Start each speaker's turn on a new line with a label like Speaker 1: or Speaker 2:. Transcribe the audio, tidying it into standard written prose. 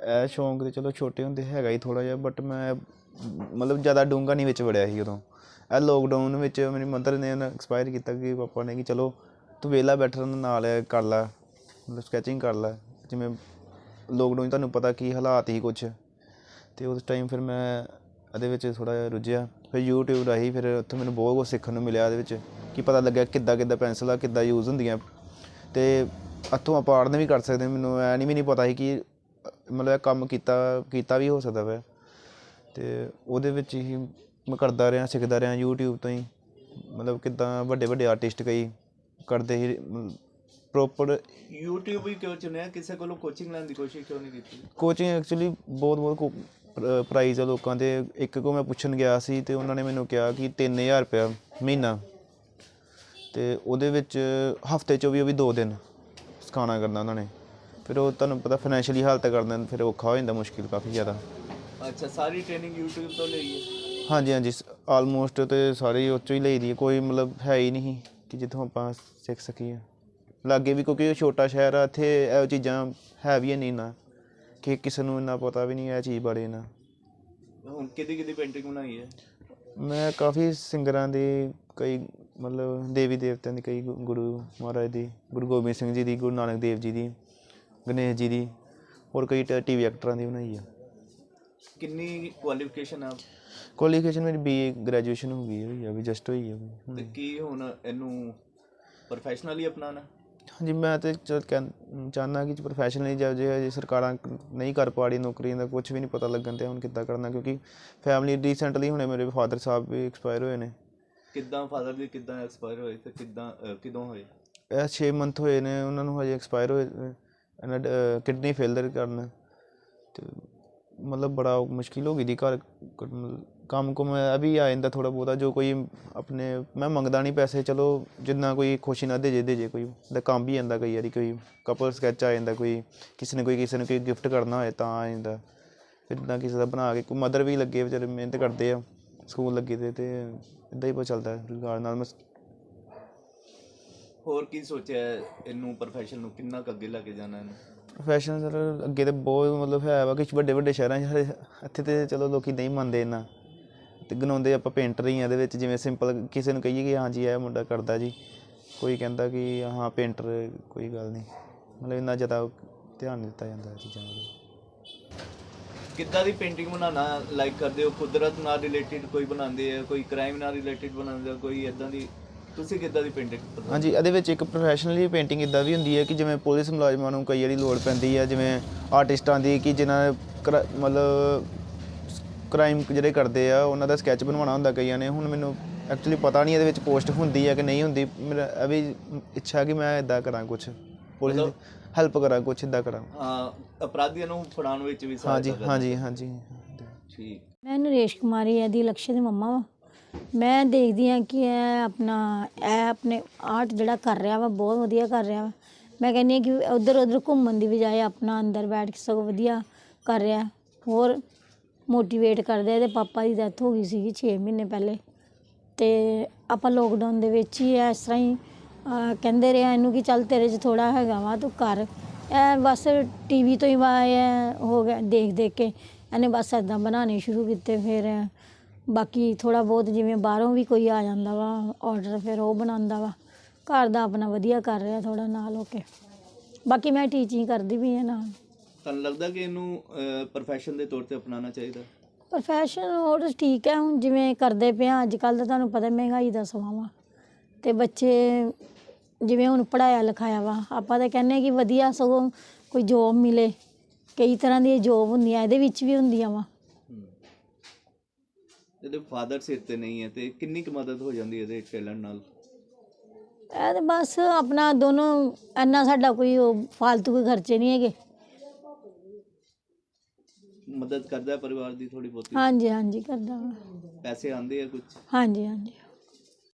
Speaker 1: ਇਹ ਸ਼ੌਂਕ ਤਾਂ ਚਲੋ ਛੋਟੇ ਹੁੰਦੇ ਹੈਗਾ ਹੀ ਥੋੜ੍ਹਾ ਜਿਹਾ, ਬਟ ਮੈਂ ਮਤਲਬ ਜ਼ਿਆਦਾ ਡੂੰਘਾ ਨਹੀਂ ਵਿੱਚ ਵੜਿਆ ਸੀ ਉਦੋਂ। ਇਹ ਲੋਕਡਾਊਨ ਵਿੱਚ ਮੇਰੀ ਮਦਰ ਨੇ ਐਕਸਪਾਇਰ ਕੀਤਾ ਕਿ ਪਾਪਾ ਨੇ ਕਿ ਚਲੋ ਤੂੰ ਵਿਹਲਾ ਬੈਠਣ ਨਾਲ ਕਰ ਲੈ, ਮਤਲਬ ਸਕੈਚਿੰਗ ਕਰ ਲੈ। ਜਿਵੇਂ ਲੋਕਡਾਊਨ ਤੁਹਾਨੂੰ ਪਤਾ ਕੀ ਹਾਲਾਤ ਸੀ ਕੁਛ, ਅਤੇ ਉਸ ਟਾਈਮ ਫਿਰ ਮੈਂ ਇਹਦੇ ਵਿੱਚ ਥੋੜ੍ਹਾ ਜਿਹਾ ਰੁੱਝਿਆ। ਫਿਰ ਯੂਟਿਊਬ ਰਾਹੀਂ ਫਿਰ ਉੱਥੋਂ ਮੈਨੂੰ ਬਹੁਤ ਕੁਛ ਸਿੱਖਣ ਨੂੰ ਮਿਲਿਆ ਇਹਦੇ ਵਿੱਚ, ਕਿ ਪਤਾ ਲੱਗਿਆ ਕਿੱਦਾਂ ਪੈਨਸਿਲਾਂ ਕਿੱਦਾਂ ਯੂਜ਼ ਹੁੰਦੀਆਂ, ਅਤੇ ਇੱਥੋਂ ਆਪਾਂ ਆੜਨ ਵੀ ਕਰ ਸਕਦੇ। ਮੈਨੂੰ ਐ ਵੀ ਨਹੀਂ ਪਤਾ ਸੀ ਕਿ ਮਤਲਬ ਇਹ ਕੰਮ ਕੀਤਾ ਵੀ ਹੋ ਸਕਦਾ ਵੈ, ਅਤੇ ਉਹਦੇ ਵਿੱਚ ਹੀ ਮੈਂ ਕਰਦਾ ਰਿਹਾ, ਸਿੱਖਦਾ ਰਿਹਾ ਯੂਟਿਊਬ ਤੋਂ ਹੀ। ਮਤਲਬ ਕਿੱਦਾਂ ਵੱਡੇ ਆਰਟਿਸਟ ਕਈ ਕਰਦੇ ਸੀ ਪ੍ਰੋਪਰ।
Speaker 2: ਯੂਟਿਊਬ ਹੀ ਕਿਉਂ ਚੁਣਿਆ? ਕਿਸੇ ਕੋਲੋਂ ਕੋਚਿੰਗ ਲੈਣ ਦੀ ਕੋਸ਼ਿਸ਼ ਕਿਉਂ ਨਹੀਂ ਕੀਤੀ?
Speaker 1: ਕੋਚਿੰਗ ਐਕਚੁਅਲੀ ਬਹੁਤ ਪ੍ਰਾਈਜ਼ ਆ ਲੋਕਾਂ ਦੇ। ਇੱਕ ਕੋ ਮੈਂ ਪੁੱਛਣ ਗਿਆ ਸੀ ਅਤੇ ਉਹਨਾਂ ਨੇ ਮੈਨੂੰ ਕਿਹਾ ਕਿ 3000 ਰੁਪਇਆ ਮਹੀਨਾ, ਅਤੇ ਉਹਦੇ ਵਿੱਚ ਹਫ਼ਤੇ 'ਚੋਂ ਵੀ ਉਹ ਵੀ 2 ਦਿਨ ਸਿਖਾਉਣਾ ਕਰਨਾ ਉਹਨਾਂ ਨੇ। ਫਿਰ ਉਹ ਤੁਹਾਨੂੰ ਪਤਾ ਫਾਈਨੈਂਸ਼ੀਅਲੀ ਹਾਲਤ ਕਰਨਾ, ਫਿਰ ਔਖਾ ਹੋ ਜਾਂਦਾ, ਮੁਸ਼ਕਿਲ ਕਾਫੀ ਜ਼ਿਆਦਾ।
Speaker 2: ਅੱਛਾ, ਸਾਰੀ ਟ੍ਰੇਨਿੰਗ ਯੂਟਿਊਬ ਤੋਂ ਲਈ ਹੈ? ਹਾਂਜੀ,
Speaker 1: ਆਲਮੋਸਟ ਅਤੇ ਸਾਰੀ ਉਹ 'ਚੋਂ ਹੀ ਲਈ ਦੀ ਹੈ। ਕੋਈ ਮਤਲਬ ਹੈ ਹੀ ਨਹੀਂ ਕਿ ਜਿੱਥੋਂ ਆਪਾਂ ਸਿੱਖ ਸਕੀਏ। ਲਾਗੇ ਵੀ ਕਿਉਂਕਿ ਛੋਟਾ ਸ਼ਹਿਰ ਆ, ਇੱਥੇ ਇਹੋ ਚੀਜ਼ਾਂ ਹੈ ਵੀ ਨਹੀਂ ਨਾ, ਕਿ ਕਿਸੇ ਨੂੰ ਇੰਨਾ ਪਤਾ ਵੀ ਨਹੀਂ ਇਹ ਚੀਜ਼ ਬਾਰੇ ਨਾ।
Speaker 2: ਹੁਣ ਕਿਹਦੀ ਪੇਂਟਿੰਗ ਬਣਾਈ ਹੈ?
Speaker 1: ਮੈਂ ਕਾਫੀ ਸਿੰਗਰਾਂ ਦੀ, ਕਈ ਮਤਲਬ ਦੇਵੀ ਦੇਵਤਿਆਂ ਦੀ, ਕਈ ਗੁਰੂ ਮਹਾਰਾਜ ਦੀ, ਗੁਰੂ ਗੋਬਿੰਦ ਸਿੰਘ ਜੀ ਦੀ, ਗੁਰੂ ਨਾਨਕ ਦੇਵ ਜੀ ਦੀ, ਗਣੇਸ਼ ਜੀ ਦੀ, ਹੋਰ ਕਈ TV ਐਕਟਰਾਂ ਦੀ ਬਣਾਈ ਆ।
Speaker 2: ਕਿੰਨੀ ਕੁਆਲੀਫਿਕੇਸ਼ਨ ਆ?
Speaker 1: ਕੁਆਲੀਫਿਕੇਸ਼ਨ ਮੇਰੀ BA ਗ੍ਰੈਜੂਏਸ਼ਨ ਹੋ ਗਈ ਹੈ, ਵੀ ਜਸਟ ਹੋਈ ਹੈ।
Speaker 2: ਅਤੇ ਕੀ ਹੁਣ ਇਹਨੂੰ ਪ੍ਰੋਫੈਸ਼ਨਲੀ ਅਪਣਾਉਣਾ? ਹਾਂਜੀ,
Speaker 1: ਮੈਂ ਤਾਂ ਚਾਹੁੰਦਾ ਕਿ ਪ੍ਰੋਫੈਸ਼ਨਲੀ ਜੇ ਸਰਕਾਰਾਂ ਨਹੀਂ ਕਰ ਪਾ ਰਹੀ ਨੌਕਰੀਆਂ ਦਾ, ਕੁਛ ਵੀ ਨਹੀਂ ਪਤਾ ਲੱਗਣ ਤੇ ਹੁਣ ਕਿੱਦਾਂ ਕਰਨਾ, ਕਿਉਂਕਿ ਫੈਮਿਲੀ ਰੀਸੈਂਟਲੀ ਹੁਣੇ ਮੇਰੇ ਫਾਦਰ ਸਾਹਿਬ ਵੀ ਐਕਸਪਾਇਰ ਹੋਏ ਨੇ।
Speaker 2: ਕਿੱਦਾਂ ਫਾਦਰ ਦੀ ਕਿੱਦਾਂ ਐਕਸਪਾਇਰ ਹੋਏ ਅਤੇ ਕਦੋਂ ਹੋਏ?
Speaker 1: ਇਹ 6 ਮੰਥ ਹੋਏ ਨੇ ਉਹਨਾਂ ਨੂੰ ਹਜੇ ਐਕਸਪਾਇਰ ਹੋਏ। ਇਹਨਾਂ ਕਿਡਨੀ ਫੇਲਰ ਕਾਰਨ, ਅਤੇ ਮਤਲਬ ਬੜਾ ਮੁਸ਼ਕਿਲ ਹੋ ਗਈ ਦੀ ਘਰ। ਕੰਮ ਕੁਮ ਇਹ ਵੀ ਆ ਜਾਂਦਾ ਥੋੜ੍ਹਾ ਬਹੁਤਾ, ਜੋ ਕੋਈ ਆਪਣੇ ਮੈਂ ਮੰਗਦਾ ਨਹੀਂ ਪੈਸੇ, ਚਲੋ ਜਿੰਨਾ ਕੋਈ ਖੁਸ਼ੀ ਨਾਲ ਦੇ ਜੇ ਕੋਈ ਦਾ ਕੰਮ ਵੀ ਜਾਂਦਾ। ਕਈ ਵਾਰੀ ਕੋਈ ਕਪਲ ਸਕੈਚ ਆ ਜਾਂਦਾ, ਕੋਈ ਕਿਸੇ ਨੂੰ ਕੋਈ ਗਿਫਟ ਕਰਨਾ ਹੋਏ ਤਾਂ ਆ ਜਾਂਦਾ। ਫਿਰ ਇੱਦਾਂ ਕਿਸੇ ਦਾ ਬਣਾ ਕੇ, ਕੋਈ ਮਦਰ ਵੀ ਲੱਗੇ ਵਿਚਾਰੇ ਮਿਹਨਤ ਕਰਦੇ ਆ, ਸਕੂਲ ਲੱਗੇ ਦੇ, ਅਤੇ ਇੱਦਾਂ ਹੀ ਬਹੁਤ ਚੱਲਦਾ ਰੁਜ਼ਗਾਰ ਨਾਲ।
Speaker 2: ਹੋਰ ਕੀ ਸੋਚਿਆ ਇਹਨੂੰ ਪ੍ਰੋਫੈਸ਼ਨ ਨੂੰ ਕਿੰਨਾ ਕੁ ਅੱਗੇ ਲੈ ਕੇ ਜਾਣਾ ਇਹਨੂੰ?
Speaker 1: ਪ੍ਰੋਫੈਸ਼ਨ ਸਰ ਅੱਗੇ ਤਾਂ ਬਹੁਤ ਮਤਲਬ ਹੈ ਵਾ, ਕੁਛ ਵੱਡੇ ਸ਼ਹਿਰਾਂ 'ਚ। ਇੱਥੇ ਤਾਂ ਚਲੋ ਲੋਕ ਨਹੀਂ ਮੰਨਦੇ ਇੰਨਾ, ਅਤੇ ਗਨਾਉਂਦੇ ਆਪਾਂ ਪੇਂਟਰ ਹੀ ਆ ਇਹਦੇ ਵਿੱਚ। ਜਿਵੇਂ ਸਿੰਪਲ ਕਿਸੇ ਨੂੰ ਕਹੀਏ ਕਿ ਹਾਂਜੀ ਇਹ ਮੁੰਡਾ ਕਰਦਾ ਜੀ, ਕੋਈ ਕਹਿੰਦਾ ਕਿ ਹਾਂ ਪੇਂਟਰ, ਕੋਈ ਗੱਲ ਨਹੀਂ। ਮਤਲਬ ਇੰਨਾ ਜ਼ਿਆਦਾ ਧਿਆਨ ਨਹੀਂ ਦਿੱਤਾ ਜਾਂਦਾ ਇਹ ਚੀਜ਼ਾਂ ਵੱਲ।
Speaker 2: ਕਿੱਦਾਂ ਦੀ ਪੇਂਟਿੰਗ ਬਣਾਉਣਾ ਲਾਈਕ ਕਰਦੇ ਹੋ? ਕੁਦਰਤ ਨਾਲ ਰਿਲੇਟਿਡ ਕੋਈ ਬਣਾਉਂਦੇ ਆ, ਕੋਈ ਕ੍ਰਾਈਮ ਨਾਲ ਰਿਲੇਟਿਡ ਬਣਾਉਂਦੇ ਆ, ਕੋਈ ਇੱਦਾਂ ਦੀ? ਤੁਸੀਂ ਕਿੱਦਾਂ ਦੀ ਪੇਂਟਿੰਗ? ਹਾਂਜੀ,
Speaker 1: ਇਹਦੇ ਵਿੱਚ ਇੱਕ ਪ੍ਰੋਫੈਸ਼ਨਲੀ ਪੇਂਟਿੰਗ ਇੱਦਾਂ ਵੀ ਹੁੰਦੀ ਹੈ ਕਿ ਜਿਵੇਂ ਪੁਲਿਸ ਮੁਲਾਜ਼ਮਾਂ ਨੂੰ ਕਈ ਵਾਰੀ ਲੋੜ ਪੈਂਦੀ ਹੈ, ਜਿਵੇਂ ਆਰਟਿਸਟਾਂ ਦੀ, ਕਿ ਜਿਨ੍ਹਾਂ ਨੇ ਮਤਲਬ ਕ੍ਰਾਈਮ ਜਿਹੜੇ ਕਰਦੇ ਆ ਉਹਨਾਂ ਦਾ ਸਕੈਚ ਬਣਵਾਉਣਾ ਹੁੰਦਾ ਕਈਆਂ ਨੇ। ਹੁਣ ਮੈਨੂੰ ਐਕਚੁਅਲੀ ਪਤਾ ਨਹੀਂ ਇਹਦੇ ਵਿੱਚ ਪੋਸਟ ਹੁੰਦੀ ਹੈ ਕਿ ਨਹੀਂ ਹੁੰਦੀ। ਮੇਰਾ ਇਹ ਵੀ ਇੱਛਾ ਕਿ ਮੈਂ ਇੱਦਾਂ ਕਰਾਂ, ਕੁਛ ਪੁਲਿਸ ਦੀ ਹੈਲਪ ਕਰਾਂ, ਕੁਛ ਇੱਦਾਂ ਕਰਾਂ।
Speaker 2: ਅਪਰਾਧੀਆਂ ਨੂੰ ਫੜਾਉਣ ਵਿੱਚ ਵੀ?
Speaker 1: ਹਾਂਜੀ।
Speaker 2: ਠੀਕ।
Speaker 3: ਮੈਂ ਨਰੇਸ਼ ਕੁਮਾਰੀ ਇਹਦੀ ਲਕਸ਼ੇ ਦੀ ਮੰਮਾ ਵਾ। ਮੈਂ ਦੇਖਦੀ ਹਾਂ ਕਿ ਇਹ ਆਪਣੇ ਆਰਟ ਜਿਹੜਾ ਕਰ ਰਿਹਾ ਵਾ ਬਹੁਤ ਵਧੀਆ ਕਰ ਰਿਹਾ ਵਾ। ਮੈਂ ਕਹਿੰਦੀ ਹਾਂ ਕਿ ਉੱਧਰ ਘੁੰਮਣ ਦੀ ਬਜਾਏ ਆਪਣਾ ਅੰਦਰ ਬੈਠ ਕੇ ਸਗੋਂ ਵਧੀਆ ਕਰ ਰਿਹਾ। ਹੋਰ ਮੋਟੀਵੇਟ ਕਰਦੇ। ਇਹਦੇ ਪਾਪਾ ਦੀ ਡੈਥ ਹੋ ਗਈ ਸੀਗੀ 6 ਮਹੀਨੇ ਪਹਿਲੇ, ਅਤੇ ਆਪਾਂ ਲੋਕਡਾਊਨ ਦੇ ਵਿੱਚ ਹੀ ਇਸ ਤਰ੍ਹਾਂ ਹੀ ਕਹਿੰਦੇ ਰਹੇ ਇਹਨੂੰ ਕਿ ਚੱਲ ਤੇਰੇ 'ਚ ਥੋੜ੍ਹਾ ਹੈਗਾ ਵਾ ਤੂੰ ਕਰ। ਇਹ ਬਸ TV ਤੋਂ ਹੀ ਹੋ ਗਿਆ, ਦੇਖ ਕੇ ਇਹਨੇ ਬਸ ਇੱਦਾਂ ਬਣਾਉਣੇ ਸ਼ੁਰੂ ਕੀਤੇ। ਫਿਰ ਬਾਕੀ ਥੋੜ੍ਹਾ ਬਹੁਤ ਜਿਵੇਂ ਬਾਹਰੋਂ ਵੀ ਕੋਈ ਆ ਜਾਂਦਾ ਵਾ ਔਡਰ, ਫਿਰ ਉਹ ਬਣਾਉਂਦਾ ਵਾ। ਘਰ ਦਾ ਆਪਣਾ ਵਧੀਆ ਕਰ ਰਿਹਾ ਥੋੜ੍ਹਾ ਨਾਲ ਹੋ ਕੇ। ਬਾਕੀ ਮੈਂ ਟੀਚਿੰਗ ਕਰਦੀ ਵੀ ਹਾਂ ਨਾਲ।
Speaker 2: ਤੁਹਾਨੂੰ ਲੱਗਦਾ ਕਿ ਇਹਨੂੰ ਪ੍ਰੋਫੈਸ਼ਨ ਦੇ ਤੌਰ 'ਤੇ ਅਪਣਾਉਣਾ ਚਾਹੀਦਾ?
Speaker 3: ਪ੍ਰੋਫੈਸ਼ਨ ਹੋਰ ਠੀਕ ਹੈ, ਹੁਣ ਜਿਵੇਂ ਕਰਦੇ ਪਏ ਹਾਂ ਅੱਜ ਕੱਲ੍ਹ ਤਾਂ ਤੁਹਾਨੂੰ ਪਤਾ ਮਹਿੰਗਾਈ ਦਾ ਸਮਾਂ ਵਾ, ਅਤੇ ਬੱਚੇ ਜਿਵੇਂ ਹੁਣ ਪੜ੍ਹਾਇਆ ਲਿਖਾਇਆ ਵਾ, ਆਪਾਂ ਤਾਂ ਕਹਿੰਦੇ ਕਿ ਵਧੀਆ ਸਗੋਂ ਕੋਈ ਜੋਬ ਮਿਲੇ। ਕਈ ਤਰ੍ਹਾਂ ਦੀਆਂ ਜੋਬ ਹੁੰਦੀਆਂ, ਇਹਦੇ ਵਿੱਚ ਵੀ ਹੁੰਦੀਆਂ ਵਾ।
Speaker 2: ਇਹਦੇ ਫਾਦਰ ਸਿਰ 'ਤੇ ਨਹੀਂ ਹੈ, ਅਤੇ ਕਿੰਨੀ ਕੁ ਮਦਦ ਹੋ ਜਾਂਦੀ ਇਹਦੇ ਟੈਲੈਂਟ ਨਾਲ?
Speaker 3: ਇਹ ਤਾਂ ਬਸ ਆਪਣਾ ਦੋਨੋਂ, ਇੰਨਾ ਸਾਡਾ ਕੋਈ ਫਾਲਤੂ ਕੋਈ ਖਰਚੇ ਨਹੀਂ ਹੈਗੇ।
Speaker 2: ਮਦਦ ਕਰਦਾ ਪਰਿਵਾਰ ਦੀ ਥੋੜ੍ਹੀ ਬਹੁਤੀ?
Speaker 3: ਹਾਂਜੀ ਕਰਦਾ ਵਾ।
Speaker 2: ਪੈਸੇ ਆਉਂਦੇ ਆ ਕੁਛ?
Speaker 3: ਹਾਂਜੀ।